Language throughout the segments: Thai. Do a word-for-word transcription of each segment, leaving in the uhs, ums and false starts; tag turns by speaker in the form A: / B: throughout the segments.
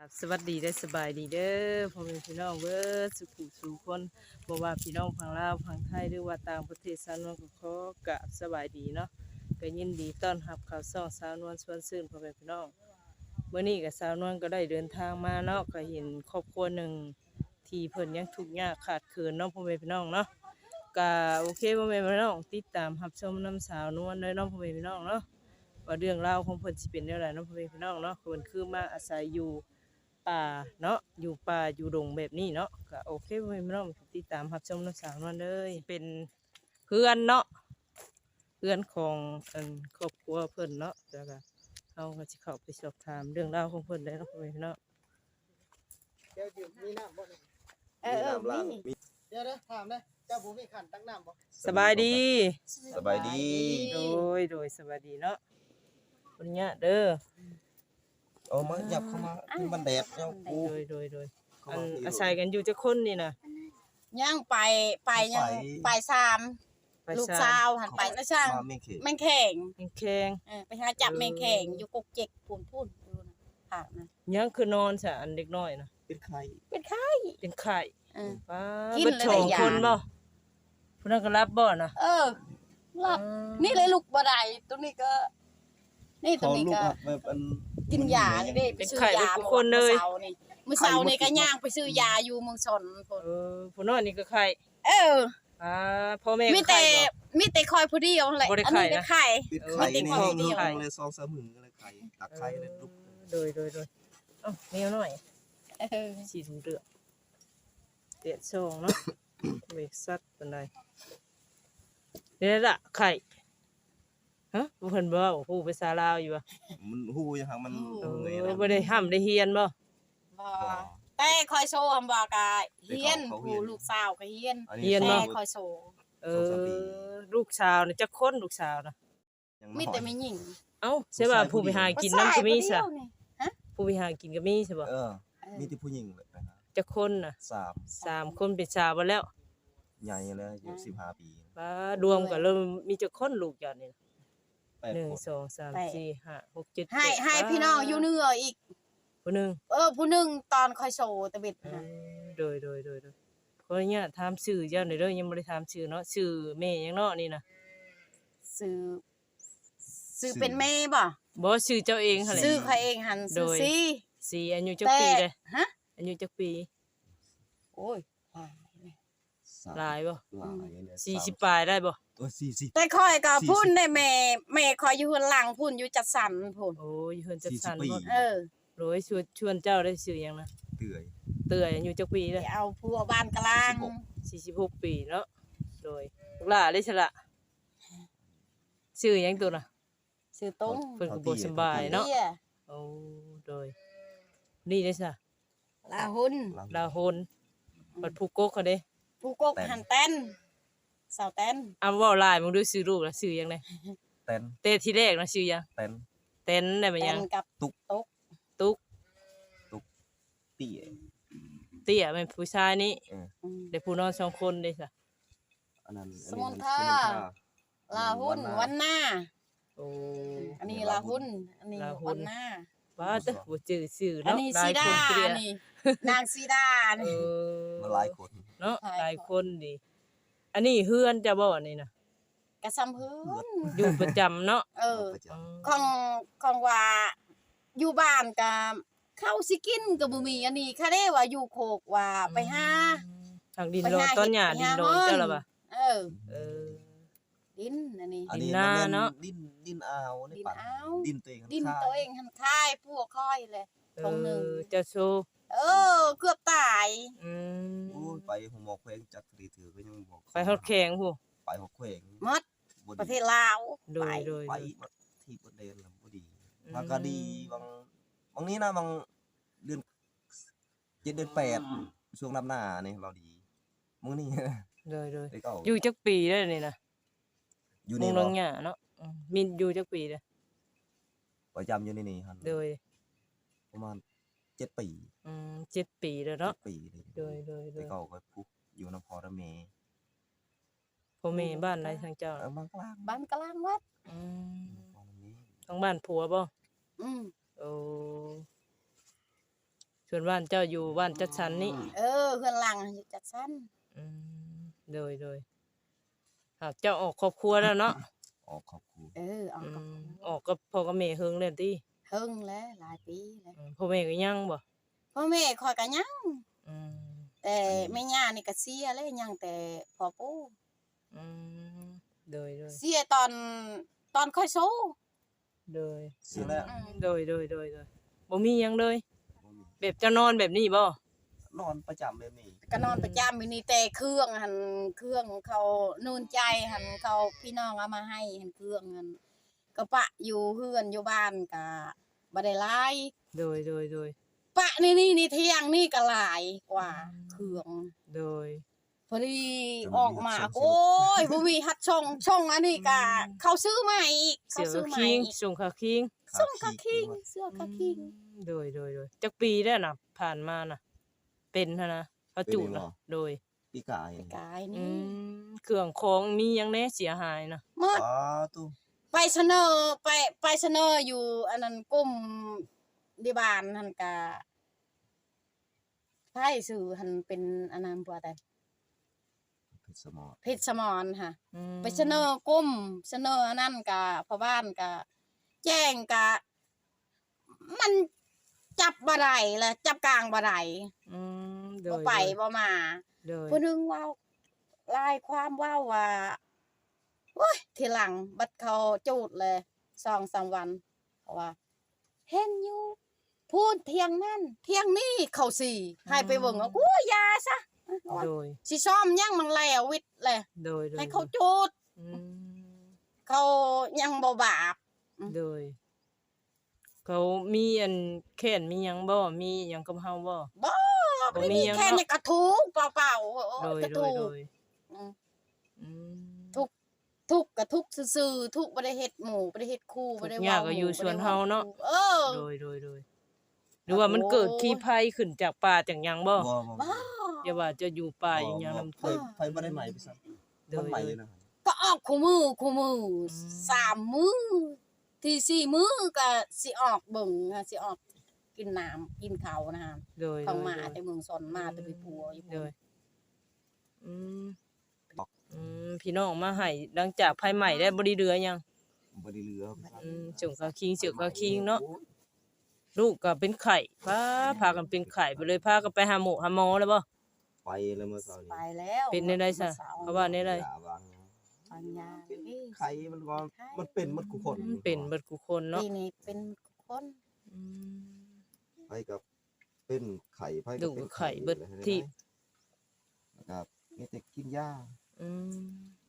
A: สวัสดีได้สบายดีเด้อพ่อแม่พี่น้องเบิดสุขุสุขคนบ่ว่าพี่น้องฝั่งลาวฝั่งไทยหรือว่าต่างประเทศสาวนวลก็ขอกราบสบายดีเนาะก็ยินดีต้อนรับเข้าช่องสาวนวลชวนชื่นพ่อแม่พี่น้องมื้อนี้ก็สาวนวลก็ได้เดินทางมาเนาะก็เห็นครอบครัวหนึ่งที่เพิ่นยังทุกข์ยากขาดเขินเนาะพ่อแม่พี่น้องเนาะก็โอเคพ่อแม่พี่น้องติดตามรับชมน้ำสาวนวลเลยเนาะพ่อแม่พี่น้องเนาะว่าเรื่องราวของเพิ่นสิเป็นแนวใดเนาะพ่อแม่พี่น้องเนาะเพิ่นคือมาอาศัยอยู่ป่าเนาะอยู่ป่าอยู่ดงแบบนี้เนาะก็โอเคพ่อแม่พี่น้องติดตามรับชมน้ำสาวนวลเลยเป็นเพื่อนเนาะเพื่อนของอันครอบครัวเพิ่นเนาะแล้วก็เราก็สิเข้าไปสอบถามเรื่องราวของเพิ่นเลยเนาะพ่อแม่พี่น้อง
B: เดี๋ยวอยู่มีน้ำบ่เนี่ย
C: เออเออมี
B: เดี๋ยวนะถามนะเจ้าบุมีขันตั้งน้ำบ่
A: สบายดี
C: สบายดี
A: โดยโดยสบายดีเนาะคนเนี้ยเด้อ
C: เอามาหยับเข้ามาที่มันแดดเจ้ากู
A: โดยโดยโดย
C: เข้า
A: อัน
C: มาที่
A: อาศัยกันอยู่จะคนนี่นะ
D: ย่างไปไปยังไปสาม
A: ไป
D: ลูก
A: สา
D: สาว วหันไปนะช่าง
C: มาไม่เข็ด
D: แมงแข่ง
A: แข็ง
D: เออไปหาจับแมงแข่งอยู่กกเจ็กพูนพูนดูนะผักนะ
A: ๆยังคือนอนซะอันเด็กน้อยนะ
C: เป็นไข่
D: เป็นไข้
A: เป็นไข้
D: เออ
A: ป้า
D: กิน
A: เบิด
D: เลย
A: สอง
D: ได้ยา
A: คนบ่ผู้นั้นก็รับบ่นะ
D: เออหลับนี่เลยลูกบ่ได้ตัวนี้ก็ นี่ตัว
C: เขา
D: นี้
C: ลูก
D: ก็
C: อะแบบอัน
D: กินยานี่ได้ไปซื้อยามื้อเช้านี่มื้อเช้านี่ก็ย่างไปซื้อยาอยู่เมืองชนพุ่น
A: เออผู้น้อยนี่ก็ไข้
D: เออ
A: อ่าพ่อแม่
D: มี
A: ก็
D: แต่
A: ไข้บ่
D: มีแต่คอยผู้เดียวนั่นแหละ
A: บ่ได้
D: อัน
A: ไข้
D: นี้
A: นะ
D: ได้ไข่
C: เป็นไข่
D: เออ
C: ในห้อง
D: ไม่ได้
C: ห้
D: ไข่
C: องเลยซองสามหมื่นเลยไข่ตักไข่เลยลูก
A: โดยโดยโดยเอ้าแนวหน่อย
D: เออ
A: สีถุงเดือดเดือดซองเนาะ เบรกซัดเป็นไรนี่ละไข่ฮะบ่เพิ่นบ่เว้าฮู้ภาษาลาวอยู่บ่
C: มันหูยังหังมัน
A: เอ
C: เหนื่อย
A: อ
C: นะ
A: บ่ได้ห้ำได้เฮียนบ่
D: บ่แต่คอยโชว์คำบอกกะเฮียน
C: เขาเฮี
D: ผู้
C: ยน
D: ลูกสาวก็เฮียน
C: อัน
A: เฮียน
D: แต่
A: บ่
D: คอยโชว์
A: เออลูกสาวนี่จักคนลูกสาวนะ
C: ยัง
D: มี
C: น้อย
D: แต่ไม่หญิง
A: เอ้าใช่ป่ะผู้ไปหากินน้ำก็มีซะ
D: ผู้ชายผู้เดียวนี่ฮะ
A: ผู้ไปหากินก็มีใช่บ่
C: เออ
D: เออ
C: มีที่ผู้หญิงเลยนะ
A: จักคนน่ะ
C: สาม
A: สามคนเป็นสาวบ่แล้ว
C: ใหญ่แล้วอายุสิบห้าปี
A: ป้ารวมกันแล้วมีจักคนลูกจักนี่
C: แปด
A: หนึ่ง
C: คน
A: สองสามสี่ห้าหกเจ็ด
D: ให้
A: แปด
D: ให้พี่น้องอยู่เหนืออีก
A: ผู้หนึง
D: เออผู้หนึงตอนคอยโชว์ตะเบ็ด
A: เอ
D: นะ
A: อโดยโดยโดยโดยเพราะเนี่ยถามชื่อเจ้าหน่อยเด้อยังบ่ได้ถามชื่อเนาะชื่อแม่ยังเนาะนี่นะ
D: ซื้อซื้อเป็นแม่บ่
A: บ่ชื่อเจ้าเองหั่นแหละ
D: ซื้อเขาเองหันซื้อ
A: โดย
D: ซี
A: สีอายุจัก
D: แต่
A: ปีเลย
D: ฮะ
A: อายุจักปี
D: โอ้ย
C: สาม
A: หลายบ่
C: หลายเนี่ย
A: สี่สิบปลายได้บ่
C: เออสี่สิบ
D: แต่คอยก็
C: สี่สิบ
D: พุ่นได้แม่แม่คอยอยู่ข้างหลังพุ่นอยู่จัดสรรพุ่น
A: โอ้ยเพิ่นจัก
C: สี่สิบ
A: สัน
C: ปี
A: บ่
D: เออ
A: โดยชวนชวนเจ้าได้ชื่อหยังนะ
C: เตื่อย
A: เตื้อยอายุจักปี
D: ไป
A: เด้อ
D: เอาผัวบ้านกลาง
A: สี่สิบหกปีเนาะโดยลูกหลานได้ซะละชื่อหยังตัวน่ะ
D: ซื้อตรง
A: เพิ่นก็บ่สำบายเนาะ
D: เนี่ย
A: โอ้โดยนี่ได้ซะ
D: ลาหุ่น
A: ลาโหนบัดผู้กกเขาเด้
D: ผู้กกหันเต้นสาวเต้น
A: อ่าเว้าหลายมึงดูชื่อลูกล่ะชื่อหยังได
C: เต้น
A: เต้ทีแรกนะชื่อหยัง
C: เต้น
A: เต้นได้บ่ห
D: เต้
A: ยัง
D: นกับ
C: ตุ๊ก
D: ตุ๊ก
A: ตุ๊ก
C: เตี้ย
A: เตี้ยเป็นผู้ชายนี่
D: อืม
A: ได้ผู้นอนสองคนได้ซะ
C: อันนั้น
D: สมุนไพร ลาหุ่นวันหน้า
A: โอ้
D: อันนี้ลาหุ่นอันนี้
A: ลาหุ่น
D: วันหน้า
A: ว่าแต่บ่จื้อชื่อ
D: อัน
A: เนาะ
D: นี้
A: หลา
D: ซี
A: ย
D: ดา
A: คนเตี้ย
D: นี่นางซีดา
A: เอ
D: นี่
A: อ
C: มาหลายคน
A: เนาะ
D: ห
A: ห
D: ลา
A: ลาย ย
D: ค
A: คน นดีอันนี้เฮือนจะบ่อันนี้นะ
D: กระซำพื้น
A: อยู่ประจำเนาะ
D: เออ
C: ประจ
D: ของของว่าอยู่บ้านกับข้าวสิกินกับบ่มีอันนี้ค่ะเด้ว่าอยู่โคกว่าไปหา
A: ทางดิน
D: ไป
A: โดน
D: หา
A: ต้นหญ้า
D: เห็
A: ดิ
D: ด
A: นโดน
D: ไปหา
A: เจ้า
D: ฮ้อน
A: ละบ่ะ
D: เออ
A: เออ
D: ดินอันนี้
C: ำอันนี้
A: ดินหน้า
C: มั
A: เนาะ
C: ดินดินอ่าวใน
D: ดิน
C: ป่า
D: อ้าว
C: ดินตัวเอง
D: ดิน
C: ข้าง
D: ตัวเองหันค่ายพวกค่อยเลย
A: เอ
D: ตรงหนึ่ง
A: อเจะโชว์
D: เออ เกือบตาย
A: อืม
C: โอ้ยไปหัวหมอกแขวงจักรีถือก็ยังบอก
A: ไปฮอดแข็งผู้
C: ไปหัวแขวง
D: หมด
C: บ่ดี
D: ประเทศลาว
A: โด
D: ไป
A: ยโดย
C: ไป
A: โดย
C: มาที่ประเด็นแล้วบ่ดี
A: อืม
C: มันก็ดีบางบางนี้นะบางเดือนเจ็ดเดือนแปดช่วงน้ำหน้านี่เราดีมื้อนี้
A: โดยโดย
C: ได้ก็
A: อยู่จักปีได้นี่นะ
C: อยู่
A: มุ
C: นี่
A: ง
C: บ่
A: นางหญ้าเนาะอืมมีอยู่จักปีเด้อ
C: ประจำอยู่ในนี่หั่น
A: โดย
C: ประมาณเจ็ดปี
A: อืมเจ็ดปีแล้วเนาะ
C: เจ็ดปีเลย
A: โดยโดยโด
C: ได้
A: ย
C: ก็ไปพุกอยู่นำพอระเม
A: พ่อแม่บ้านไหนทางเจ้า
C: เออบางกลาง
D: บ้านกลางวัด
A: อืม
C: พอระเม
A: ทางบ้านผัวบ่
D: อืม
A: โอ้ส่วนบ้านเจ้าอยู่บ้านจัดสรรนี่
D: เออเฮือนหลังอยู่จัดสรร
A: อืมโดยโดยหากเจ้าออกครอบครัวแล้วเนาะ
C: ออกครอบครัว
D: เออออก
A: อื
D: กับ
A: มออกกับพ่อกับแม่เฮิงแล้วติ
D: เฮิงแล้วหลายปีแล้ว
A: อืมพ่อแม่ก็ยังบ่
D: พ่อแม่คอยก็ยัง
A: อืม
D: แต่แม่ย่านี่ก็เสียเลยยังแต่พ่อปู่
A: อืมโดยโดย
D: เสียตอนตอนค่อยโซ
A: โดย
C: เสียแล้ว
D: อืม
A: โดยโดยโดยโดยบ่มีหยังเลย
C: บ่มี
A: แบบจะนอนแบบนี้บ่
C: นอนประจำแบบนี้
D: ก็นอนประจำอยู่นี่แต่เครื่องหันเครื่องเขานูนใจหันเขาพี่น้องเอามาให้หันเครื่องหันก็ปะอยู่เฮือนอยู่บ้านก็บ่ได้หลาย
A: โดยโดยโดย
D: ปะนี่นี่นี่เที่ยงนี่ก็หลายกว่าเครื่อง
A: โดย
D: พอดีออกมาโอ้ยบ่มีฮัดช่องช่องอันนี้ก็เขาซื้อมาอีก
A: เสี
D: เขา
A: ย
D: ซื้
A: กะ
D: อมา
A: คิง
D: อีก
A: ส่งกะคิง
D: ส่งกะคิงเสื้อกะคิง
A: โดยโดยโดยจักปีแล้วน่ะผ่านมาน่ะ เป็นหั่นนะเขาจูดน่ะโดย
C: ปีกาย
D: กาย
A: อื
D: นี่
A: มเครื่องของมีหยังแน่เสียหายน่ะ
D: หมด
C: อ๋อตู้
D: ไปเสนอไปไปเสนออยู่อันนั้นกลุ่มดีบานหั่นกะไผสื่อหันเป็นอันนั้นบ่แต่
C: เพชรสมอ
D: เพชรสมรค่ะ
A: อืม
D: ไปเสนอกลุ่มเสนออันนั้นกะพ่อบ้านกะแจ้งกะ มันจับบ่ได้ละจับกลางบ่ได้
A: อืมโด
D: บ่
A: ย
D: ไปบ่มา
A: โดย
D: ผู้หนึงเว้าลายความเว้าว่าโอ้ยทีหลังบัดเขาจูดเลยสองสามวันเพราะว่า เห็นอยู่พูดเที่ยงนั่นเที่ยงนี่เขาสี่ให้ไปเบิ่งว่ากูยาซะ
A: โดย
D: สิซ่อมยังมันแล้ววิทย์เลย
A: โดยโดย
D: ให้เขาจูด
A: อืม
D: เขายังบ่บาป
A: โดย เขามีอันแค้นมีหยังบ่มีหยังกับเฮาบ่
D: บ่
A: บ่
D: ไม่
A: มี
D: มี
A: หยัง
D: แค่
A: เนาะ
D: นี้กระทุกเปล่าๆโอ้
A: โดย
D: กระ
A: โด
D: ทุ
A: ย
D: ก
A: โดย
D: อืม
A: อืม
D: ทุก ทุกข์ก็ทุกข์ซื่อๆทุกข์บ่ได้เฮ็ดหมู่บ่ได้เฮ็ดคู่บ่ได้
A: ทุกอย่าง
D: เว้า
A: ก็อยู่
D: หมู่
A: ส่วน
D: บ่ได้
A: เฮาเนาะ
D: เออ
A: โดยโดยโดยหรือว่ามันเกิดขี้ภัยขึ้นจากป่าจากหยังบ่
C: บ่บ่
D: บ้า
A: อย่าว่าจะอยู่ป่าอย่างหยังนำ
C: ไฟไฟบ่ได้ใหม่ไปซ้ำ
A: โด
C: มัน
A: ย
C: ใหม่
A: โด
C: เลย ยนะ
D: ก็ออกคู่มือคู่มืออ
A: ม
D: สามมื้อที่สี่มื้อก็สิออกเบิ่งค่ะสิออกกินน้ำกินข้าวนะฮะ
A: โดย
D: ต้องมา
A: โดย
D: แต่เมืองสนมาแต่ไปปัวอยู่
A: โดยอืมอืมพี่น้องมาให้หลังจากภัยใหม่ได้บ่ได้เรือยัง
C: บ่ได้เหลือ
A: อืมส่งกะคิงเสือกกะคิงเนาะลูกก็เป็นไข้พาพากันเป็นไข้ไปเลยพากันไปหาหมอหาหมอแล้วบ่
C: ไปแล้วเมื่อเช้า
D: ไป
C: นี้
D: แล้ว
A: เป็นได้ได้ซะเพราะว่าได้ได้
C: ยาบาง
D: ปัญญา
C: เป็น
D: เอ้ย
C: ไข้มันก็มันเป็นหมดทุกคน
A: เป็นเบิดกูคนเนาะ
D: ปีนี้เป็นคน
A: อืม
C: ไผกับเป็นไข้ไผ
A: ดู
C: ก็เป็น
A: ไข้เบิดที่
C: นะครับมีแต่กินยา
A: อืม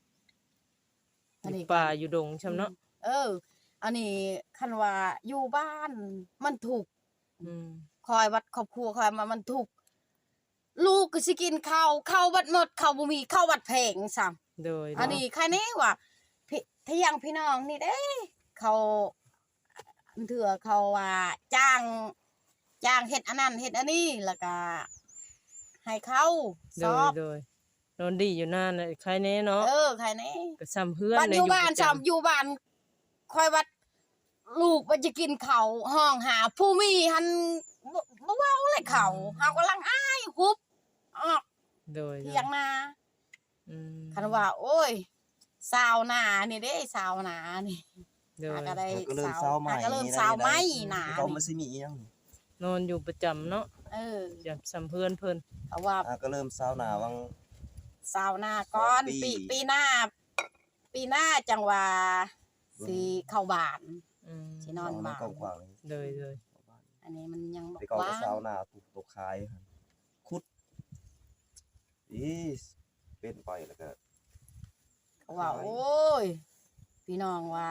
A: อยู่ป่าอยู่ดงช่ำเนาะ
D: เออ อันนี้คันว่าอยู่บ้านมันถูกข์
A: อืม
D: คอยวัดครอบครัวคอยมามันถูกข์ลูกก็สิกินข้าวข้าวบัดหมดข้าวบ่มีข้าวบัดแพงซ้ำ
A: โดย
D: อันนี้ใครนี่ว่าพี่ทะยังพี่น้องนี่เด้เขาเถื่อเขาว่าจ้างจ้างเฮ็ดอันนั้นเฮ็ดอันนี้แล้วก็ให้เขา
A: โด
D: สอย บ
A: โดยนอนดีอยู่นานน่ะใครแน่เนาะ
D: เออใครนี่
A: ก็ซ้ำเพื่อน
D: บ้าน
A: เล
D: อย ยู่บ้าน
A: ประ
D: ซ้ำ
A: จำ
D: อยู่บ้านคอยวัด ลูกมันจะกินเขาวห้องหาผู้มีหันบ่บ่เว้าเลยเขาเฮากำลังอ้ายฮุบออก
A: โดยโด
D: เถี
A: ย
D: ยงนา
A: อืม
D: คันว่า โอ้ยสาวนานี่เด้สาวนานี่
A: โดย
D: หาก็ได้
C: แล้วก็เริ่ม
D: สาว
C: เช้าใหม่
D: หาก็เริ่มสาวไหมนา
C: เขามาสิมีอีหยัง
A: นอนอยู่ประจำเนาะ
D: เออ
A: อย่าซ้ำเพื่อนเพิ่น
D: เขาว่า
C: อ่ะก็เริ่มเช้าหน้าวัง
D: สาวนาก่อน
C: สองปี
D: ปีปีหน้า ปีหน้าจังว่าสิเข้าบ้าน
A: อืม
D: สินอนบ้าน
C: กว้างๆ
A: โดยโดย
D: อันนี้มันยังบ่
C: ไปก่อน
D: ว่า
C: ก็เช้าหน้าถูกตกขายครับคุดอีเป็นไปแล้วก็
D: เขาว่า โอ้ย พี่น้องว่า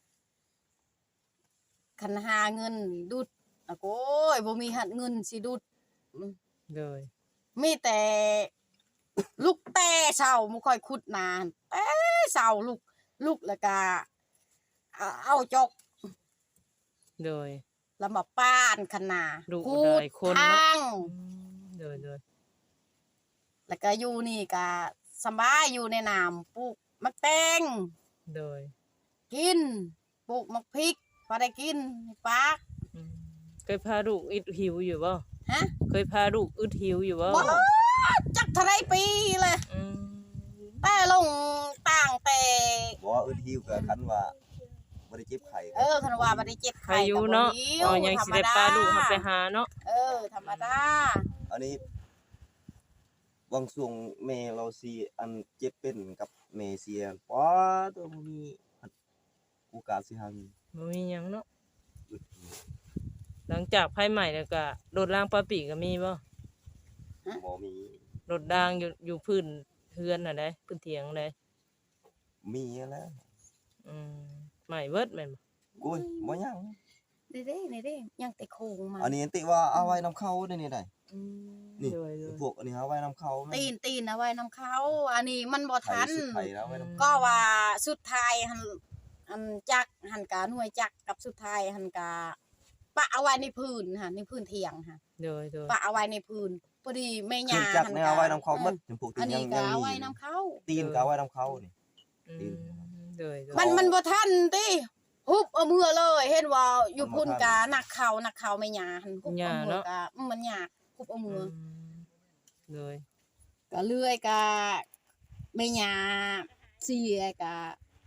D: คันหาเงินดุดอะโอ้ยบ่มีหัดเงินสิดุด
A: โดย
D: มีแต่ลูกแต่เช้าบ่ค่อยขุดนานแต่เช้าลูกลูกแล้วก็เอาเอาจก
A: โดย
D: แล้วมาป้านคันนา
A: ลูก
D: ขู
A: ห
D: ด
A: ลายคนเนาะ
D: ทาง
A: อืมโดยโดย
D: แล้วก็อยู่นี่ก็สบายอยู่ในน้ำปลูกมะแตง
A: โดย
D: กินปลูกมะพริกพอได้กินให้ปาก
A: อืมเคยพาลูกอิดหิวอยู่บ่
D: ฮะ
A: เคยพาลูกอึดหิวอยู่บ่
D: บ่จักเท่าไรปีเลย
A: อืม
D: แต่ลงต่างแต่
C: บ่ว่าอึดหิวก็คันว่าบ่ได้เจ็บไข้
D: เออคันว่าบ่ได้เจ็บ
A: ใคร
D: ไข้
A: อยู่
D: ก็บ่
A: เนาะ
D: หิว
A: เอายังสิได้พาลูกมาไปหาเนาะ
D: เออธรรมดา
C: อันนี้บางช่วงแม่เราสิอันเจ็บเป็นกับแม่เสียป้าตัวบ่มีโอกาสสิหามี
A: บ่มีหยังเนาะ
C: อึดหิว
A: หลังจากไผใหม่แล้วก็รถรางปลาปีก็มีบ่
C: บ่มี
A: รถรางอยู่อยู่พื้นเฮือนน่ะได้พื้นเถียงได้
C: มีแล้ว
A: อืมใหม่เบิดแม่นบ่
C: โอ้ยบ่ยัง
D: นี่เด้นี่เด้ยังแต่โครงมา
C: อันนี้ติว่าเอาไว้นำเข้าได้นี่ได้
D: อืม
C: นี่
A: โดยโดย
C: พวกอันนี้เอาไว้นำเข้าแม่
D: ตีนตีนเอาไว้นำเขา อันนี้มันบ่ทัน
C: ไทยสุดไทยแล้วไว้นำ
D: ก็ว่าสุดท้ายหันอันจักหันกาหน่วยจักกับสุดท้ายหันกาปะเอาไว้ในพื้นค่ะในพื้นเถียงค่ะ
A: โดยโดย
D: ปะเอาไว้ในพื้นพอดีแม่
C: เครื่
D: ยา
C: องจักร
D: หัน
C: เนี่ย
D: กา
C: เอาไว้นำเข้าหมดจำพวก
D: อัน
C: ที่ยั
D: นี้
C: ง
D: ก็
C: ยัง
D: เอา
C: มี
D: ไว้นำเขา
C: ตีนก็เอาไว้นำเข้านี่
A: อื
C: ตีน
A: มโดยโดย
D: มันมันบ่ทันติฮุบเอามือเลย เห็นว่าอยู่พุ่นกานักเขานักเขาแม่ยาหันฮุบเอามือกะมันยากฮุบเอามือ
A: อื
D: อ
A: มโดย
D: ก็เลื่อยกะแม่ยาเสียกะ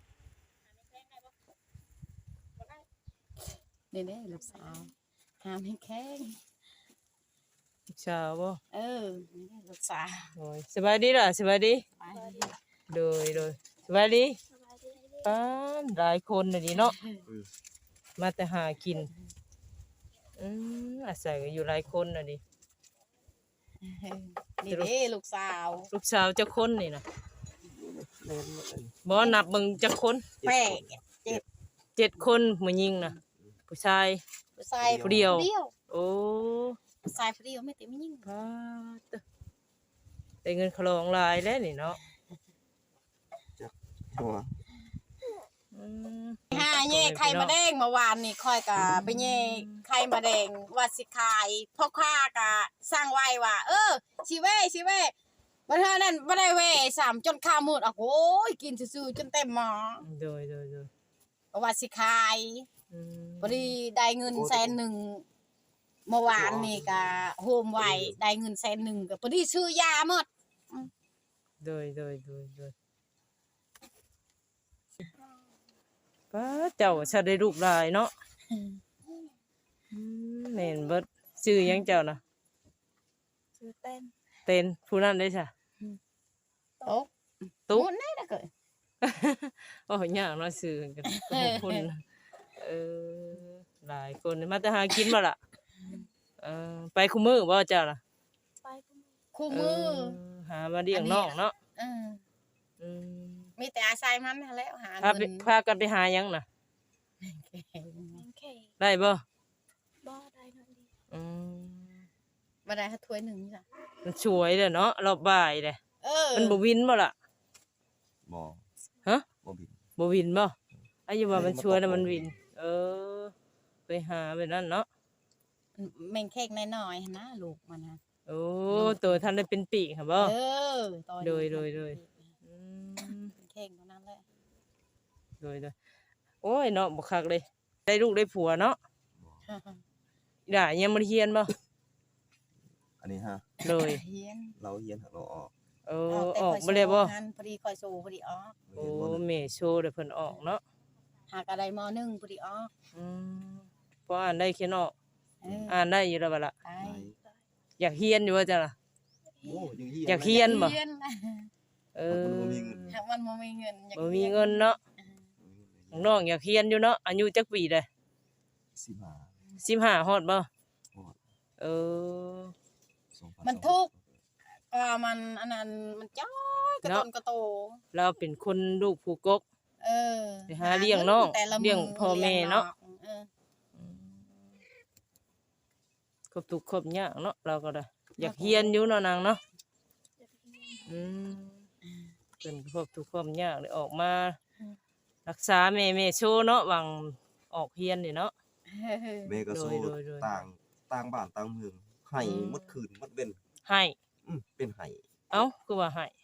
D: นี่เด้ลูกสาวห้ามให้แข้ง
A: ลูกสาวบ่
D: เออนี่เด้ลูกสาว
A: โดยสบายดีล่ะสบายดี
D: ไป
A: โดยโดยสบายดีป้านหลายคนน่ะดิเนาะมาแต่หากินอืมอาศัยกันอยู่หลายคนน่ะดิ
D: นี่เด้ลูกสาว
A: ลูกสาวจักคนนี่น่ะบ่นับเบิ่งจักคน
D: แป้ง
A: เจ็ดคนผู้หญิงน่ะผู้ชาย
D: ผู้ชาย
A: ผู้เดียว
D: เดียว
A: โอ้
D: ผู้ชายผู้เดียวไม่เต็มยิ่ง
A: ป้าดได้เงินคลองหลายแล้วนี่เนาะ
C: หัว
A: อืม
D: ห้าเย่ไข่มาแดงเมื่อวานนี่ค่อยกะไปเย่ไข่มาแดงว่าสิขายพ่อค้ากะสร้างไว้ว่า เออชิเว่ชิเว่บัดเท่านั้นบ่ได้เว่สามจนข้าวมืดอ่ะโอ้ยกินซื่อๆจนเต็มหม้อ
A: โดยโดยโดย
D: ก็ว่าสิขาย
A: อืม
D: พอดีได้เงินแสนหนึ่งเมื่อวานนี่กะโฮมไว้ได้เงินแสนหนึ่งก็พอดีซื้อยาหมด
A: โดยโดยโดยโดยป้าเจ้าชาได้ลูกหลายเนาะอืมแม่นเบิดชื่อหยังเจ้าน่ะ
D: ซื้อเต้น
A: เต้นผู้นั้นได้จ้ะ
D: โต๊ะ
A: ตุ๊
D: มุนได้ละเกิด
A: โอ้ยยากเนาะชื่อกันขอบคุณเออหลายคนมาแต่หากินบ่ล่ะเออไปคุมื้อบ่เจ้าล่ะ
D: คู่มือ
A: เหามาเลี้ยงน้องเนาะ
D: เออ
A: อืม
D: มีแต่อาศัยมันนั่นแหล้วหา
A: พาไป
D: เงิน
A: พากันไปหาหยังน่ะ
E: เค
A: ได้บ่
E: บ่ได้นอนดี
A: อืม
D: มาได้ถ้าถ้วยหนึ่งจ้ะ
A: มันสวยเด้อเนาะรอบบ่ายเด้
D: เออ
A: มันบ่วินบ่ล่ะ
C: บ่
A: ฮะ
C: บ่บิน
A: บ่วินบ่อายุว่ามัน
C: เออมัน
A: สวยแล้ว
C: ตก
A: มันวิน เออ ไปหาไปนั่นเนาะ
D: แม่งเค้กน้อยๆหั่นนะลูกมันนะ
A: โอ้ตัวท่านได้เป็นปีกค่ะบ่
D: เออตอนนี้
A: โดยโดยโดย อืม
D: เค้กเท่านั้นแหละ
A: โดยโดยโอ้ยเนาะบ่คักเลย ได้ลูกได้ผัวเนาะอีด่ายังบ่ได้เรียนบ่
C: อันนี้ฮะ
A: โดย
D: เฮียน
C: เราเฮียนหักเราออก
A: โอ้
D: เอาแต่
A: ออก
D: ข่อย
A: บ่เลยบ่
D: โซ่หันพอดีคอยโซ่พอดีออก
C: เรา
A: โอ้
C: เฮียนบ่เลย
A: แม่โชว์เดี๋ยวเพิ่นออกเนาะ
D: หากอะไรมหนึ่งพอดีออก
A: อืมพออ่านได้เขียนออก
D: เออ
A: อ่านได้อยู่แล้วบ่ล่ะ
D: ไป
A: อยากเรียนอยู่ว่าจ้ะล่ะ
C: โอ้ยังเฮียน
A: อยากเฮียน บ่
D: เฮียนนะ
A: เอ
C: มัน
A: อ
C: บ่มีเงิน
D: หากมันบ่มีเงินอยาก
A: บ่มีเงินเนาะน้องอยากเรียนอยู่เนาะอายุจักปีได้
C: สิบห้า
A: สิบห้าฮอดบ่
C: ฮอด
A: เออ
C: สองพั
D: มันทุกข์ก็มันอันนั้นมันจ้อยกระ
A: เนาะ
D: ตนกระโต
A: เราเป็นคนลูกผู้กก
D: เออ
A: ไปหาเลี้ยงน้อง
D: แต่ละ
A: เลี้ยงพ่อแม่เนาะ
D: เออ
A: ครบทุกข์ครบยากเนาะเราก็ได้อยากเรียนอยู่เนาะนางเนาะอืมเป็นครบทุกข์ครบยากเลยออกมา รักษาแม่แม่โชว์เนาะหวังออกเรียนนี่เนาะ
C: แม่ก็สู้
A: โดยโดย
C: ต่างต่างบ้านต่างเมืองให้
A: อืม
C: หมดคืนหมดเว้น
A: ให้
C: อืมเป็นให้
A: เอ้าคือว่าให้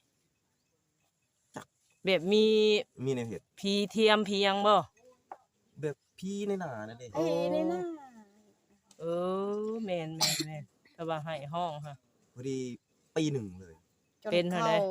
A: แบบมี
C: มีในเฮ็ด
A: พีเทียมพีหยังบ่
C: แบบพี่ในหน้านั่นเด้
D: เอ้ยนี่นะ
A: เออแม่นแม่นแม่นถ้าว่าให้ห้องค่ะ
C: พอดีปีหนึ่งเลย
D: จน
A: เป็นเท่า
D: เข้า
A: ใด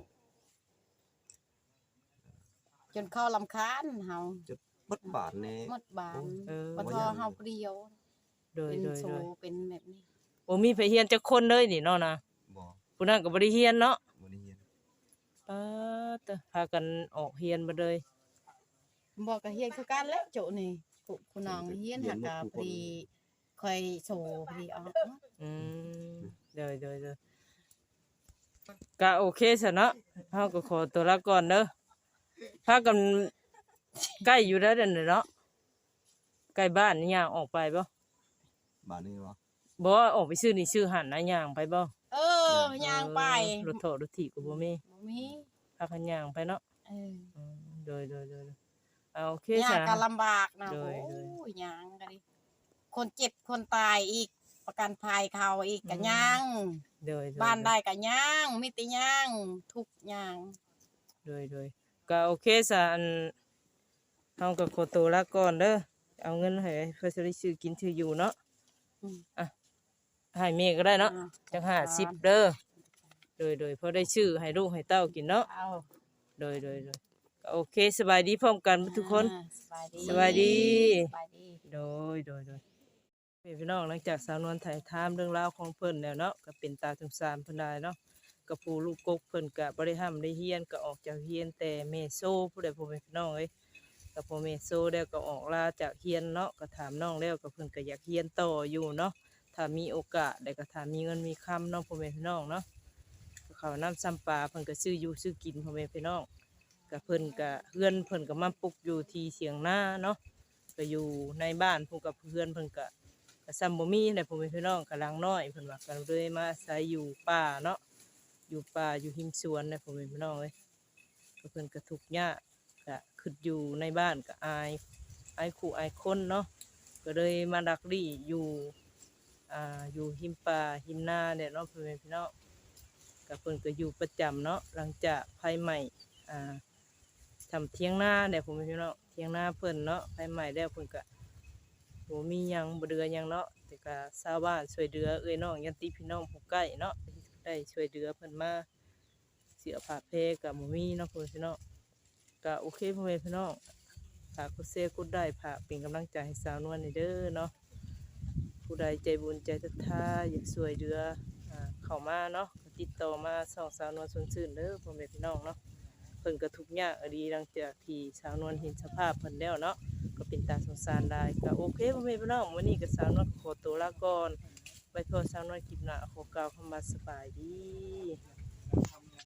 D: จนเข้าลำคาญเฮา
C: บดบาทแน่
D: หมดบาน
A: เออ
D: บ่ทอเฮาผู้เดียว
A: โดย
D: เป็น
A: โดย
D: โซ
A: โดย
D: เป็นแบบนี้
A: โอ้มีไปเฮียนจักคนเลยนี่เนาะนะ
C: บ่
A: ผู้นั้นก็บ่ได้เฮียนเนาะ
C: บ่ได้เรียน
A: ปาตะพากันออกเฮียนบ่เลย
D: บอกก็เฮียนคือกันแล้วโจนี่ผู้ผู้น้องเฮียนหากะพอดีค่อยโซพอดีออก
A: อืมโดยโดยโดยก็โอเคซะเนาะเฮาก็ขอตัวลาก่อนเด้อพากันใกล้อยู่แล้วเด้อเนาะใกล้บ้านนี่ย่างออกไปบ่
C: บาทนี้วะ
A: บ่ออกไปซื้อนี่ซื้อหันนะย่างไปบ่
D: เออย่างไป
A: เออรถโถรถถีบก็บ่มี
D: บ่มี
A: พากันย่างไปเนาะ
D: เออ
A: อืมโดยโดยโดยเอาโอเค
D: ย่า
A: จ้ะ
D: งก็ลำบากนะ
A: โด
D: โอ้
A: ยโดย
D: ยย่างก็ดิคนเจ็บคนตายอีกประกันภัยเขาอีกก็ย่าง
A: โดยโดย
D: บ้านได้ก็ย่างมีแต่ย่างทุกย่าง
A: โดยโดยก็โอเคซะอันเฮาก็ขอตัวลาก่อนเด้อเอาเงินให้เพื่อสิได้ซื้อกินซื้ออยู่เนาะ
D: อืม
A: อ่ะให้แม่ก็ได้เนาะ
D: อ่า
A: จังห้าสิบเด้อโดยโดยพอได้ชื่อให้ลูกให้เต้ากินเนาะ
D: เอา
A: โดยโดยโดยก็โอเคสบายดีพร้อมกันทุกคน
D: อ่าสบายดี
A: สบายดี
D: สบายดี
A: โดยโดยโดยพี่น้องหลังจากสาวนวลถ่ายทามเรื่องราวของเพิ่นแล้วเนาะก็เป็นตาสงสารเพิ่นได้เนาะกับผู้ลูกกกเพิ่นก็บ่ได้ห้ามได้เฮียนก็ออกจากเฮียนแต่เมโซผู้ใดผู้เป็นพี่น้องเอ้ยก็พอเมโซแล้วก็ออกลาจากเฮียนเนาะก็ถามน้องแล้วก็เพิ่นก็อยากเฮียนต่ออยู่เนาะถ้ามีโอกาสได้ก็ถ้ามีเงินมีคำเนาะพ่อแม่พี่น้องเนาะก็ข้าวน้ำซ้ำปลาเพิ่นก็ซื้ออยู่ซื้อกินพ่อแม่พี่น้องก็เพิ่นก็เฮือนเพิ่นก็มาปลูกอยู่ที่เสียงนาเนาะก็อยู่ในบ้านพวกกับเพื่อนเพิ่นก็ ก็ซ้ำบ่มีได้พ่อแม่พี่น้องกำลังน้อยเพิ่นว่าก็เลยมาอาศัยอยู่ป่าเนาะอยู่ป่าอยู่หิมสวนนะพ่อแม่พี่น้องเอ้ยก็เพิ่นก็ทุกข์ยากก็ขึ้นอยู่ในบ้านก็อายอายคู่อายคนเนาะก็เลยมาดักลี่อยู่อ่าอยู่หิมป่าหิมนาเนี่ยเนาะพ่อแม่พี่น้องก็เพิ่นก็อยู่ประจำเนาะหลังจากไฟไหม้อ่าทำเถียงนาเนี่ยพ่อแม่พี่น้องเถียงนาเพิ่นเนาะไฟไหม้แล้วเพิ่นก็ บ่มีหยังบ่เดือหยังเนาะแต่ก็ชาวบ้านช่วยเหลือเอ้ยน้องยันติพี่น้องผู้ใกล้เนาะได้ช่วยเหลือเพิ่นมาเสียผ้าเพก็บ่มีเนาะพ่อพี่น้องก็โอเคพ่อแม่พี่น้องฝากกดแชร์กดได้ฝากเป็นกำลังใจให้สาวนวลนี่เด้อเนาะผู้ใดใจบุญใจศรัทธาอยากช่วยเหลืออ่าเข้ามาเนาะก็ติดต่อมาส่องสาวนวลสนชื่นเด้อพ่อแม่พี่น้องเนาะเพิ่นก็ทุกข์ยากอดีหลังจากที่สาวนวลเห็นสภาพเพิ่นแล้วเนาะ ก็เป็นตาสงสารได้ก็โอเคพ่อแม่พี่น้องวันนี้ก็สาวนวลขอตัวลาก่อนไว้พอสาวนวลคลิปหน้าขอกล่าวคำว่าสบายดี